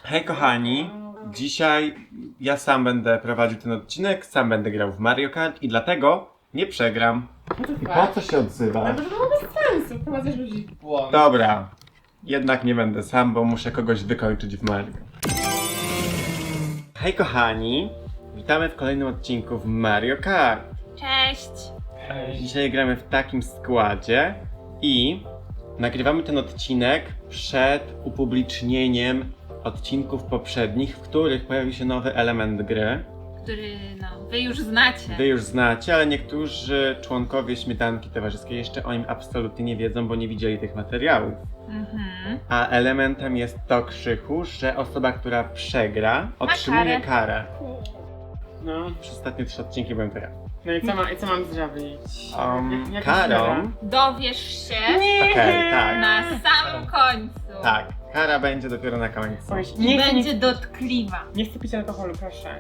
Hej kochani, dzisiaj ja sam będę prowadził ten odcinek, sam będę grał w Mario Kart i dlatego nie przegram. Po co się odzywasz? Ale to było bez sensu, wprowadzasz ludzi w błąd. Dobra, jednak nie będę sam, bo muszę kogoś wykończyć w Mario. Hej kochani, witamy w kolejnym odcinku w Mario Kart. Cześć! Dzisiaj gramy w takim składzie i nagrywamy ten odcinek przed upublicznieniem odcinków poprzednich, w których pojawił się nowy element gry. Który, wy już znacie. Wy już znacie, ale niektórzy członkowie Śmietanki Towarzyskiej jeszcze o nim absolutnie nie wiedzą, bo nie widzieli tych materiałów. Mhm. A elementem jest to, Krzychu, że osoba, która przegra, otrzymuje karę. No. Przez ostatnie 3 odcinki byłem to ja. No i co mam zrobić? Jaka Karą... kara? Dowiesz się Okej, tak. na samym końcu. Tak, kara będzie dopiero na końcu. Powiedz, I będzie nie, dotkliwa. nie chcę pić alkoholu, proszę.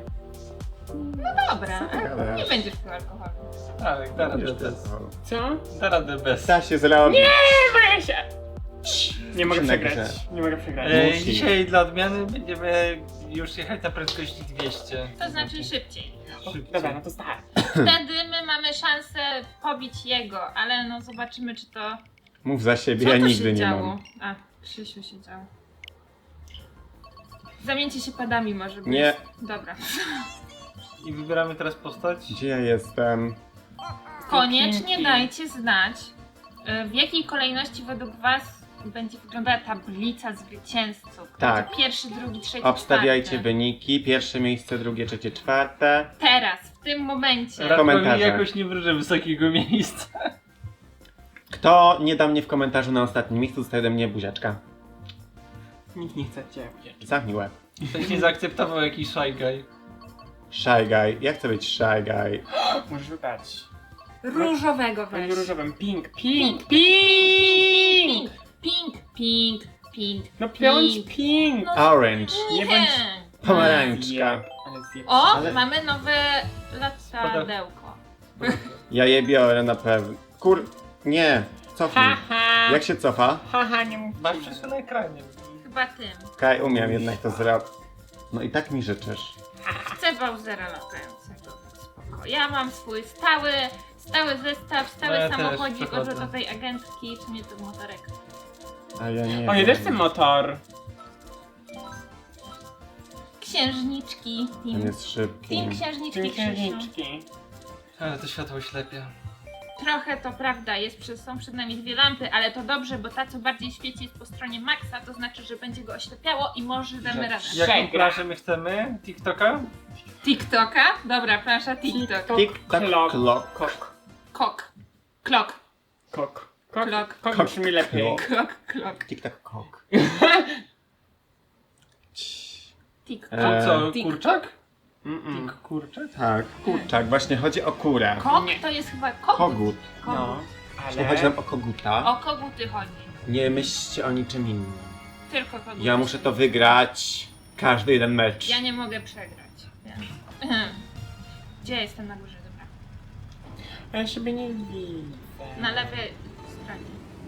Dobra, Co ty gadasz? nie będziesz pił alkoholu. Tak, da radę bez. Co? Da radę bez. Da się zrobić. Boję się! Nie mogę Musimy przegrać. grać. Nie mogę przegrać. Musi. Dzisiaj dla odmiany będziemy już jechać na prędkości 200. To znaczy szybciej. Dobra, no to start. Wtedy my mamy szansę pobić jego, ale no zobaczymy, czy to... Mów za siebie, Co ja tu nigdy się nie działo? mam. A, Krzysiu się działo. Zamieńcie się padami może być. Nie. Dobra. I wybieramy teraz postać. Gdzie ja jestem? Koniecznie Pinki. dajcie znać, w jakiej kolejności według was będzie wyglądała tablica zwycięzców. Kto Tak. będzie pierwszy, drugi, trzeci, Obstawiajcie czwarty. wyniki. Pierwsze miejsce, drugie, trzecie, czwarte. Teraz, w tym momencie. Ra- komentarze. Jakoś nie wróżę wysokiego miejsca. Kto nie da mnie w komentarzu na ostatnim miejscu, dostaje ode mnie buziaczka. Nikt nie chce cię. Zamknij łeb. Ktoś nie zaakceptował jakiś shy guy. Shy guy. Ja chcę być shy guy. Możesz wybrać. Różowego Będzie weź. różowym. Pink, Pink, pink, pink! pink, pink, pink. No piąć pink! No, Orange. Nie bądź... Pomarańczka. Ale zjeb... O, Ale- mamy nowe latadełko. Ja je biorę na pewno. Nie. Cofnij. Haha! Jak się cofa? Haha, nie mów. Masz wszystko na ekranie. Chyba tym. Kaj, umiem jednak to zrobić. No i tak mi życzysz. Chcę Bowsera latającego. Spoko. Ja mam swój stały zestaw, stały No ja też samochodzik przechodzę. od tej agentki, czy nie to motorek. A ja nie. O, ja wiem. też chcę motor. Księżniczki. Ten jest szybki. Team księżniczki, Czyli Krzysiu. księżniczki. Ale to światło ślepia. Trochę to prawda, są przed nami 2 lampy, ale to dobrze, bo ta co bardziej świeci jest po stronie Maxa, to znaczy, że będzie go oślepiało i może damy radę. Jaką Przegra. planszę my chcemy? TikToka? TikToka? Dobra, plansza TikTok. Tik-tak, Klok. klok. Kok. Kok. Klok. Kok. Kok. Klok. Kok brzmi lepiej. Klok, klok. Tik-tak, kok. TikTok. E, Co, Tik- kurczak? Mm-mm. Kurczak? Tak, kurczak. Właśnie chodzi o kurę. Kok Nie. to jest chyba kogut. Kogut. No, Kogut. Jeśli chodzi ale... nam o koguta, O koguty chodzi. nie myślcie o niczym innym. Tylko koguty. Ja muszę to wygrać każdy jeden mecz. Ja nie mogę przegrać. Więc... Gdzie jestem na górze? Dobra. Ja siebie nie widzę. Na lewej stronie.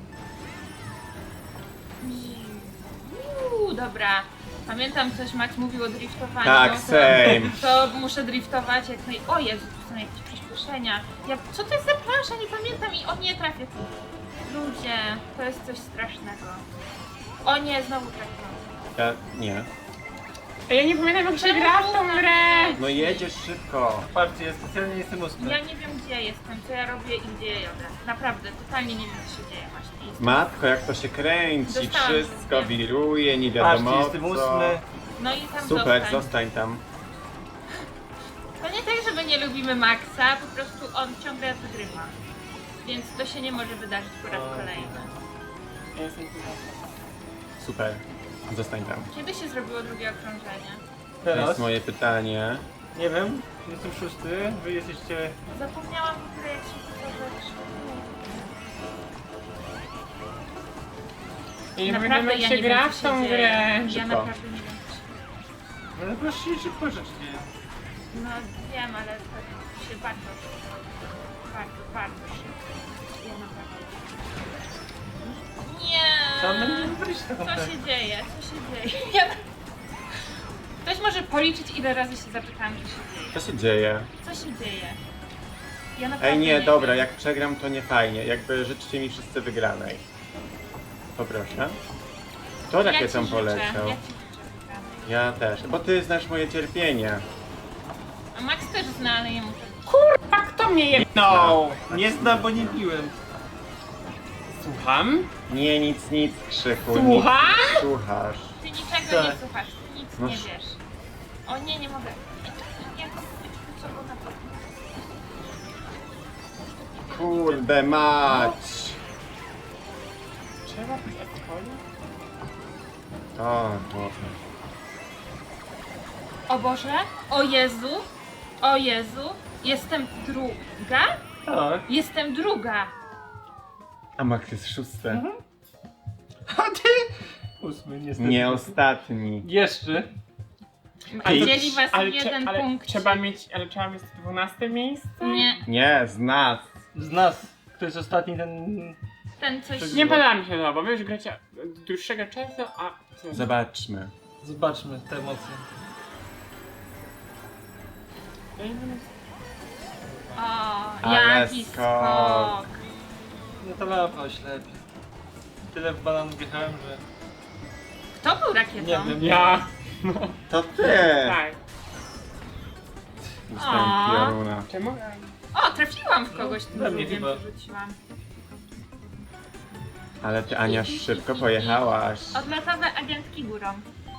Dobra. Pamiętam coś Max mówił o driftowaniu. Tak, to- same. To muszę driftować jak naj... O Jezu, tu są jakieś przyspieszenia. Co to jest za plansza? Nie pamiętam i o nie trafię tu. Ludzie, to jest coś strasznego. O nie, znowu trafiłam. Ja, nie. Ja nie pamiętam jak się gra w tą grę. No jedziesz szybko. Patrzcie, ja specjalnie jestem ósmy. Ja nie wiem gdzie jestem, co ja robię i gdzie jadę. Naprawdę, totalnie nie wiem co się dzieje właśnie. I- Matko, jak to się kręci, Dostałam wszystko się. wiruje, nie Patrzcie, wiadomo jestem co. ósmy. No i tam Super, zostań. zostań tam. To nie tak, że my nie lubimy Maxa, po prostu on ciągle wygrywa. Więc to się nie może wydarzyć po raz kolejny. Ja jestem tutaj. Super, zostań tam. Kiedy się zrobiło drugie okrążenie? To jest Teraz? moje pytanie. Nie wiem, jestem szósty, wy jesteście... Zapomniałam w ogóle jak się to rzeczy. Ja nie pamiętam jak się gra w tą grę. Ja Szybko. naprawdę nie wiem co się dzieje. No proszę, szybko rzecz dzieje. No wiem, ale to się bardzo szybko. Bardzo szybko. Ja naprawdę nie wiem. Nie! Co on będzie wybrać taką Co grę? się dzieje? Co się dzieje? Ja... policzyć, ile razy się zapytałam, co się dzieje. Co się dzieje? Co się dzieje? Ja naprawdę Ej, nie, nie dobra, wiem. jak przegram to nie fajnie. Jakby życzcie mi wszyscy wygranej. Poproszę. Kto Ja rakietą ci życzę, poleciał? ja ci życzę wygranej. Ja też, bo ty znasz moje cierpienie. A Max też zna, ale jemu też. Kurwa, kto mnie jebnął? Nie zna, bo nie piłem. Słucham? Nie, nic, Krzychu. Słucham? Nic słuchasz. Ty niczego Tak. nie słuchasz, ty nic No nie sz- wiesz. O nie mogę. Nie, co było na to? Kurde mać. Trzeba być alkoholu? O, Boże. O Boże, o Jezu, o Jezu, jestem druga? Tak. Jestem druga. A Max jest szósty. A ty? 8 niestety. Nie ostatni. Jeszcze. Ty- Dzieli was jeden punkt. Trzeba mieć 12 miejsce? Nie, Nie, z nas. Z nas. Kto jest ostatni, ten... ten coś... Nie podoba mi się to, bo wy już gracie od dłuższego czasu, a... co? Zobaczmy. Zobaczmy te emocje. O, Ale jaki skok. skok. No to lampa oślepia. Tyle w banan wjechałem, że... Kto był rakietą? Nie wiem. Ja. To ty. Tak. Dostałem A. pioruna. Czemu? O, trafiłam w kogoś tym We mnie drugim, chyba. co rzuciłam. Ale ty, Ania, szybko pojechałaś. Odlotowe agentki górą.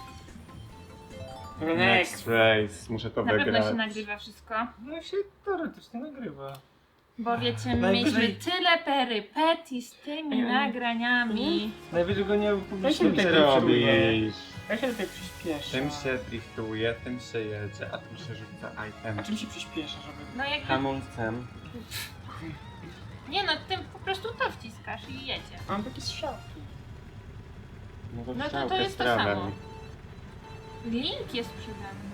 Next race. Muszę to Na pewno wygrać. się nagrywa wszystko. No się teoretycznie nagrywa. Bo wiecie, Najwyżej- mieliśmy tyle perypetii z tymi nagraniami. Najwyżej go nie Ja upublicznimy. się Co ty tego robisz? Ja się tutaj przyspieszę. Tym się driftuje, tym się jedzie, a tym się rzuca item. A czym się przyspieszę, żeby... No jak... Hamulcem. Nie no, tym po prostu to wciskasz i jedzie. Mam takie strzałki. No to strzałkę jest z to prawem. samo. Link jest przede mną.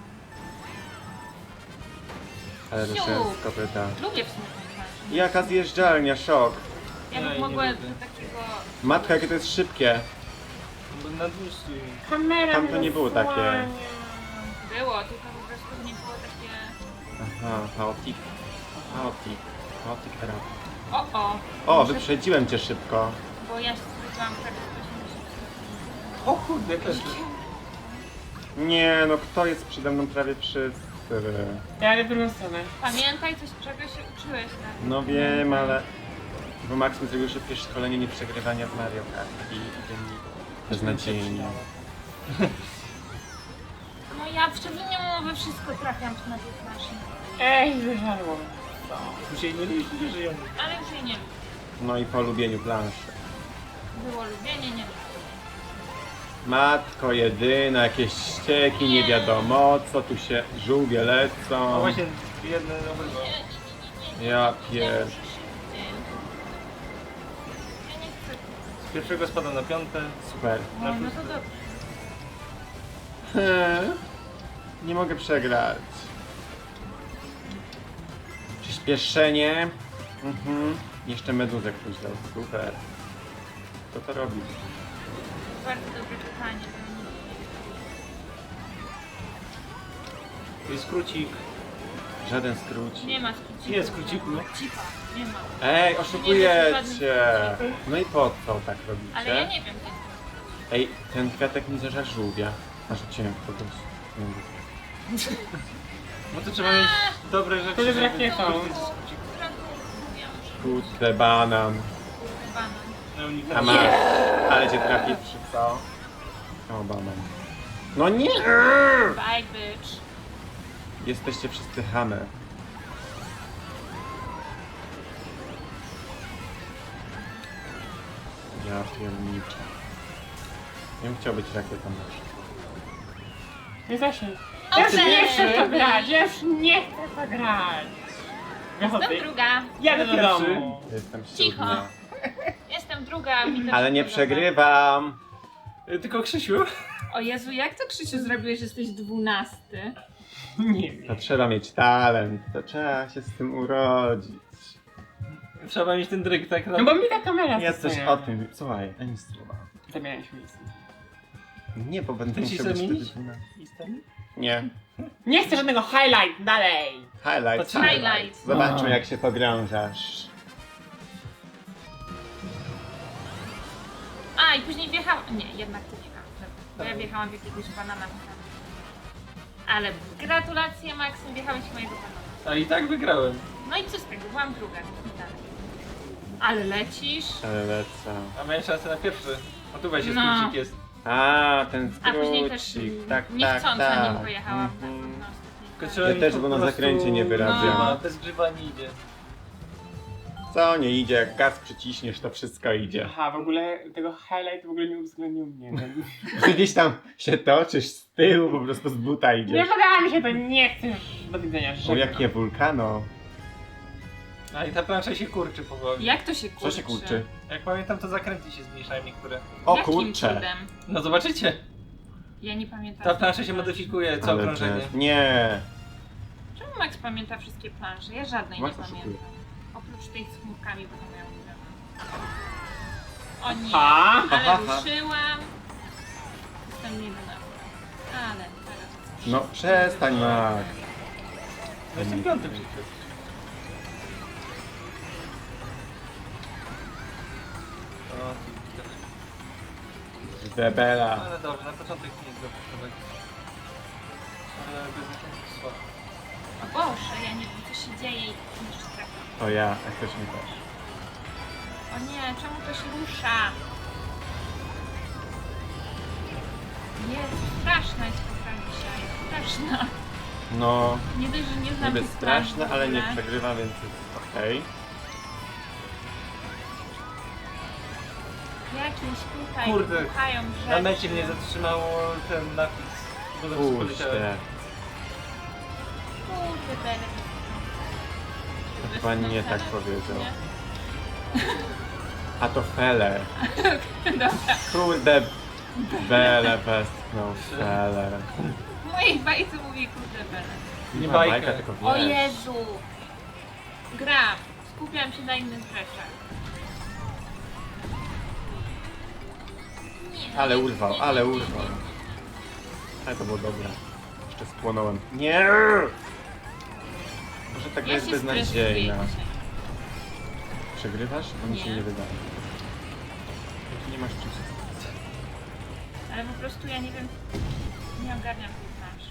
Ale Siu. ruszę z kopyta. Lubię w sumie ten ważny. Jaka zjeżdżalnia, szok. Ja bym Nie, mogła nie do lubię. takiego... Matka, jakie to jest szybkie. Bo na dłuższy. Kamera Tam to mnie nie było takie. zasłania. Było, tylko po prostu nie było takie... Aha, chaotic. Chaotic era. O, O, wyprzedziłem cię szybko. bo ja się zrobiłam prawie 180. O kurde, też. Nie, no kto jest przede mną prawie wszyscy. Ja jadę w drugą stronę. Pamiętaj coś, czego się uczyłeś na No wiem, ale... Bo Max mi zrobił szybkie szkolenie nieprzegrywania w Mario Kart i idzie mi beznadziejnie. No ja w szczególnie we wszystko trafiam na tych maszyn. Ej, wyżarło. Tu się nie liczy, nie żyjemy. Ale już jej nie lubię. No i po lubieniu planszy. Było lubienie, nie lubię. Matko jedyna, jakieś ścieki, nie wiadomo co, tu się żółwie No lecą. właśnie, jedne obydwa. Ja pier... Ja nie chcę. Z pierwszego spada na piąte. Super. No, no to dobrze. Nie mogę przegrać. Przyspieszenie. Jeszcze meduzę ktoś dał. Super. Kto to robi? Bardzo dobre pytanie. To jest skrócik. Żaden skróci. Nie ma skróciku. Jest skróciku. Cipa, nie ma. Ej, oszukujecie! No i po co tak robicie? Ale ja nie wiem, gdzie jest. Ej, ten kwiatek mi zażar żółwia. A rzuciłem w kogoś. Nie wiem. No to trzeba mieć dobre rzeczy. To jest żeby rakietą. skorzystać z skróciku. Kurde, banan. Banan. No, nikt A tam masz. Ale cię trafi przy co? O, banan. No nie! Bye, bitch. Jesteście wszyscy chamy. Ja pierniczę. Ja bym chciał być rakietą też. Nie zasięg. O, Ja już nie cześć! chcę w to grać, ja już nie chcę w to grać. Jestem Wychodzę. druga. Jadę do Pierwszy. domu. Jestem Cicho. siódma. Jestem druga. mi też Ale nie się podoba. przegrywam. Tylko Krzysiu. O Jezu, jak to Krzysiu zrobiłeś, że jesteś 12? Nie wiem. To trzeba mieć talent. To trzeba się z tym urodzić. Trzeba mieć ten dryg, tak? No bo mi ta kamera Ja coś zasłania. o tym. Słuchaj, ani słowa. Zamienialiśmy miejsce. Nie, bo będę Ty ci musiał być zamienić? wtedy 12. Jestem? Nie. Nie chcę żadnego highlight, dalej! Highlight. To highlight. Zobaczmy jak się pogrążasz. A, i później wjechałam... Nie, jednak to nie mam. Bo ja wjechałam w jakiegoś banana. Ale gratulacje, Maksym, wjechałeś w mojego banana. A i tak wygrałem. No i co z tego? Byłam druga. Dalej. Ale lecisz. Ale lecę. A miałem szansę na pierwszy. A tu weź, No. skrócik jest. A, ten A później też skrócik. Tak, niechcąco tak. nim pojechałam. Mhm. Na ostatniej Tylko fali. trzeba Ja mi też, po bo na prostu- zakręcie nie wyrabiam. No. Bez grzyba nie idzie. Co nie idzie, jak gaz przyciśniesz, to wszystko idzie. Aha, w ogóle tego highlight w ogóle nie uwzględnił mnie. Ty gdzieś tam się toczysz z tyłu, po prostu z buta Nie idziesz. podoba mi się to, nie chcę już do widzenia. O, żegnam. jakie wulkano. A i ta plansza się kurczy powoli. Jak to się kurczy? Co się kurczy? Jak pamiętam, to zakręty się zmniejszają niektóre. O Jakim kurcze. cudem? No zobaczycie. Ja nie pamiętam. Ta plansza się modyfikuje co Ale okrążenie. to- Nie. Czemu Max pamięta wszystkie plansze? Ja żadnej Max nie oszukuje. pamiętam. Oprócz tej z chmurkami, bo to miałam O nie, Ha? ale Ha, ha, ha. ruszyłam. Jestem 11. Ale teraz... No przestań, Max. No jestem piąty przecież. O, Debela. ale dobrze, na początek nie jest dobrze. Ale bez zakrętów słabo. O Boże, ja nie wiem co się dzieje i niż strefa. To ja, jak ktoś mi też. O nie, czemu to się rusza? Jezu, straszna jest ta gra dzisiaj. Straszna. No, Nie dość, że nie znam niby tych plansz w straszne, ale nie ogóle. przegrywa, więc jest okej. Jakieś tutaj Kurde, puchają rzeczy. Na mecie mnie zatrzymało ten napis. Bo zawsze poleciałem. Puśćcie. Kurde, Bele. To chyba nie tak powiedział. A to Fele. Dobra. Kurde, Bele westchnął Fele. W mojej bajce mówi kurde Bele. Nie ma bajkę. bajka, tylko O wiesz. Jezu! Gram. Skupiam się na innych rzeczach. Nie, Ale nie, urwał, nie, ale nie, nie, urwał. nie. Ale to było dobre. Jeszcze spłonąłem. Nie! Może ta gra Ja jest się beznadziejna. stresuję dzisiaj. Przegrywasz? Bo mi się Nie. nie wydaje. Tu nie masz czym się stresować. Ale po prostu ja nie wiem, nie ogarniam tej planszy.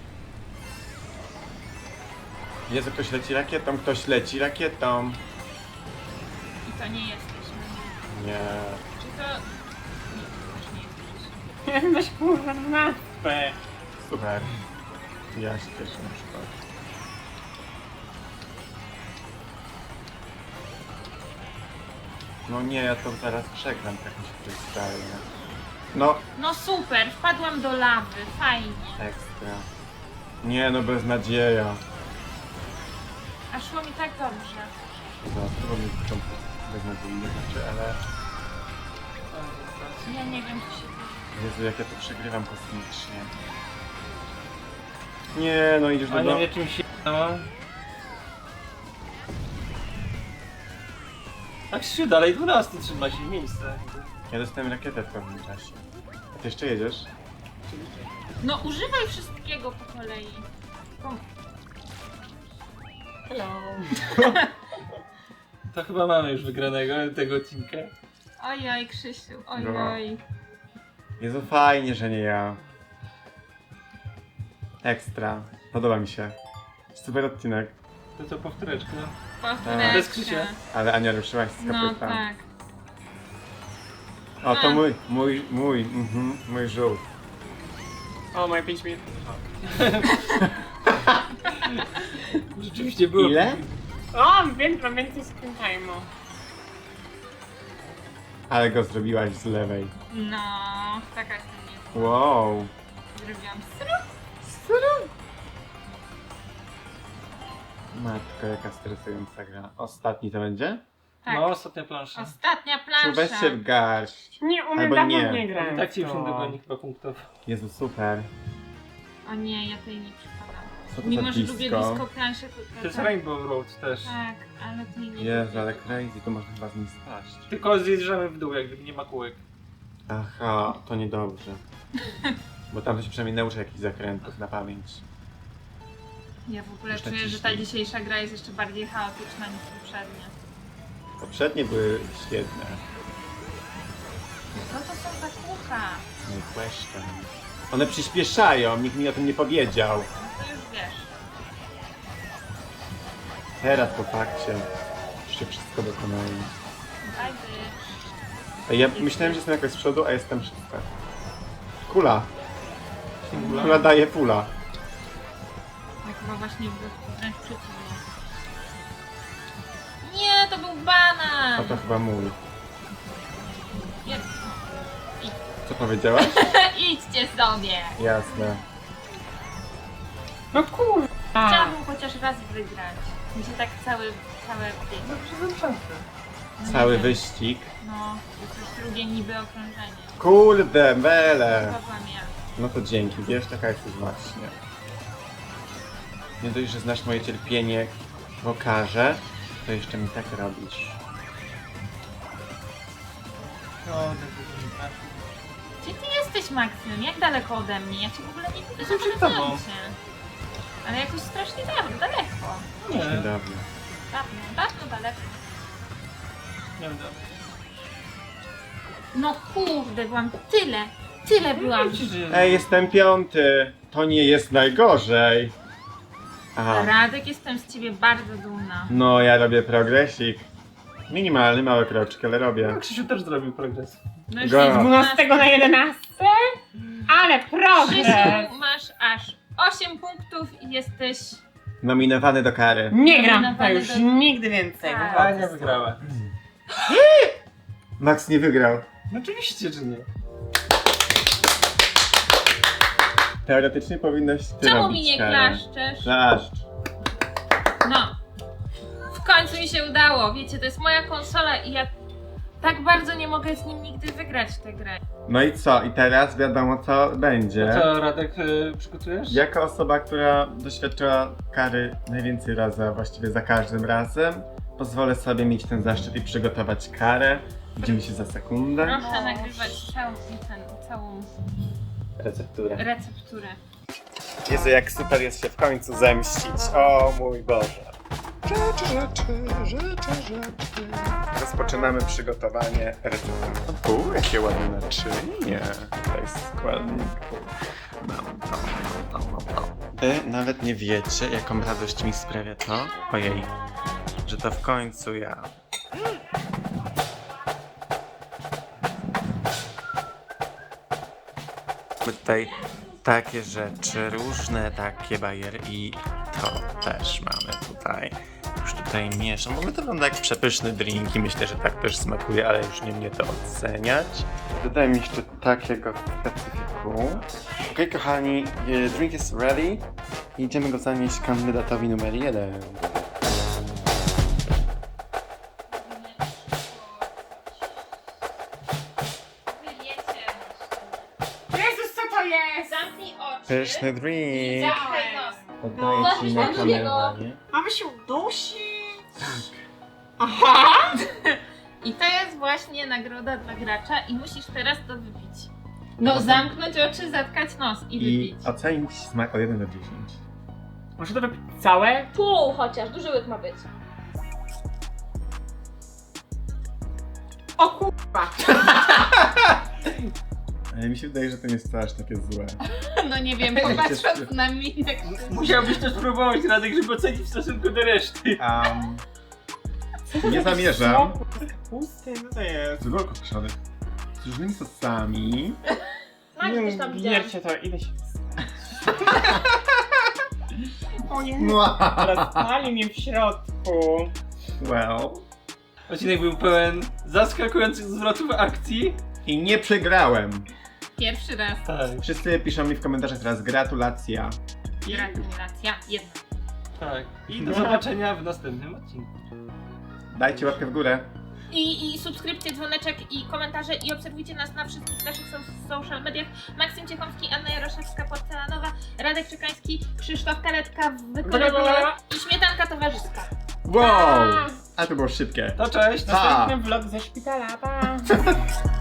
Jezu, ktoś leci rakietą, ktoś leci rakietą. I to nie jesteśmy. Nie. Czy to... Nie, to też nie jesteśmy. Ja jestem dość kurwa 12. Super. Ja się cieszę na przykład. No nie, ja to zaraz przegram tak mi się freestyle. No, No super, wpadłam do lawy, fajnie. ekstra. Nie no, beznadzieja. A szło mi tak dobrze. Zaraz, mi początku beznadziejnie znaczy, ale... Ja nie wiem, co się dzieje. Jezu, jak ja to przegrywam kosmicznie. Nie, no idziesz A do nie domu. wie czym się no. A Krzysiu dalej 12 trzyma się w miejsce. Ja dostałem rakietę w pewnym czasie. A ty jeszcze jedziesz? No używaj wszystkiego po kolei. Kom- Hello. To chyba mamy już wygranego tego odcinka. Ojoj, Krzysiu, No. ojoj. Jezu, fajnie, że nie ja. Ekstra. Podoba mi się. Super odcinek. To co powtóreczka. Powtóreczka. Bez Krzysia. Ale Ania ruszyłaś z No kopyta. tak. O, to A. mój żółt. O, moje 5 minut. Rzeczywiście było. Ile? O, mam więcej screen time'u. Ale go zrobiłaś z lewej. No, taka jestem nie. Wow. Zrobiłam Matko, jaka stresująca gra. Ostatni to będzie? Tak. No, ostatnia plansza. Ostatnia Czy weź plansza. się w garść. Nie umiem, Albo dawno nie. nie grałem. I tak ci w już to. nie dogoni chyba punktów. Jezu, super. O nie, ja tej nie przypadam. Co to Mimo, za że lubię disco? disco plansze, to To jest tak, Rainbow Road też. tak, ale tej nie Jezu, lubię. ale crazy, to można chyba z nim spaść. Tylko zjeżdżamy w dół, jak gdyby nie ma kółek. Aha, to niedobrze. Bo tam to się przynajmniej nauczy jakichś zakrętów na pamięć. Ja w ogóle Jeszcze czuję, że ciśnij. ta dzisiejsza gra jest jeszcze bardziej chaotyczna niż poprzednia. Poprzednie były świetne. Co to są za kucha? No i question. One przyspieszają, nikt mi o tym nie powiedział. No to już wiesz. Teraz po fakcie jeszcze wszystko dokonali. Bajdy. Ej, ja myślałem, że jestem jakoś z przodu, a jestem szósta. Kula. Kula daje pula. Ja chyba właśnie wręcz przeciwnie. Nie, to był banan! A to chyba mój. Nie. Co powiedziałaś? Idźcie sobie! Jasne. No kurwa. Chciałabym chociaż raz wygrać. Mi się tak całe No przez szansę. Cały wyścig. No, to jest drugie niby okrążenie. Kurde, mele. Chyba ja. No to dzięki, wiesz, taka jesteś właśnie. Nie dość, że znasz moje cierpienie w okarze, to jeszcze mi tak robisz. No, tak wygląda. Gdzie ty jesteś, Maksym? Jak daleko ode mnie? Ja cię w ogóle nie widzę. Jestem przed zobaczyłam tobą. cię. Ale jakoś strasznie daleko. Nie, Niedawno. Dawno daleko. nie wiem. No kurde, byłam tyle byłam. Ej, jestem piąty. To nie jest najgorzej. Aha. Radek, jestem z ciebie bardzo dumna. No, ja robię progresik. Minimalny, mały kroczek, ale robię. No, Krzysiu też zrobił progres. No już Go. jest Z 12 na 11? Ale progres! Krzysiu, masz aż 8 punktów i jesteś... Nominowany do kary. Nie gram to już do- nigdy więcej. Tak. A nie wygrała. Max nie wygrał. No oczywiście, że nie. Teoretycznie powinnaś ty Czemu robić mi nie karę. klaszczesz? Klaszcz. No. W końcu mi się udało. Wiecie, to jest moja konsola i ja tak bardzo nie mogę z nim nigdy wygrać w tę grę. No i co? I teraz wiadomo co będzie. No co, Radek, przygotujesz? Jako osoba, która doświadczyła kary najwięcej razy, a właściwie za każdym razem, pozwolę sobie mieć ten zaszczyt i przygotować karę. Widzimy się za sekundę. Proszę nagrywać całą Recepturę. recepturę. Jezu, jak super jest się w końcu zemścić. O mój Boże. Rzeczy. Rozpoczynamy przygotowanie receptury. Jakie ładne naczynie. Tutaj składników. Mam to. Wy nawet nie wiecie, jaką radość mi sprawia to, ojej, że to w końcu ja. My tutaj takie rzeczy, różne takie bariery i to też mamy tutaj. Już tutaj mieszam. W ogóle to wygląda jak przepyszny drink i myślę, że tak też smakuje, ale już nie mnie to oceniać. Dodajmy jeszcze takiego specyfiku. Okej, kochani, drink is ready. I idziemy go zanieść kandydatowi numer 1. Jezus, co to jest? Zamknij oczy. Pyszny drink. Zamknij nos. Oddaję ci na kamerę. Mamy się udusić. Aha! I to jest właśnie nagroda dla gracza i musisz teraz to wypić. No, zamknąć oczy, zatkać nos i I wypić. ocenić smak od 1 do 10. Muszę to wypić całe? Pół chociaż, duży łyk ma być. O kurwa! Ale mi się wydaje, że to nie jest aż takie złe. No nie wiem, Przecież- popatrząc na minę. Musiałbyś też próbować, Radek, żeby ocenić w stosunku do reszty. Nie zamierzam. Smoku z kapusty, no to jest. Z górką kiszony. Z różnymi sosami. Smak też tam widziałam. Wiercie to, ile się O nie, No. rozpali mnie w środku. Well. Odcinek był pełen zaskakujących zwrotów akcji. I nie przegrałem. Pierwszy raz. Tak. Wszyscy piszą mi w komentarzach teraz gratulacja. Gratulacja. Jedna. Tak. I do zobaczenia w następnym odcinku. Dajcie łapkę w górę. I subskrypcje, dzwoneczek i komentarze i obserwujcie nas na wszystkich naszych social mediach. Maksym Ciechomski, Anna Jaroszewska, Porcelanowa, Radek Czekański, Krzysztof Karetka w wykonaniu i Śmietanka Towarzyska. Wow! A to było szybkie. To cześć! Pa! Następny vlog ze szpitala, pa!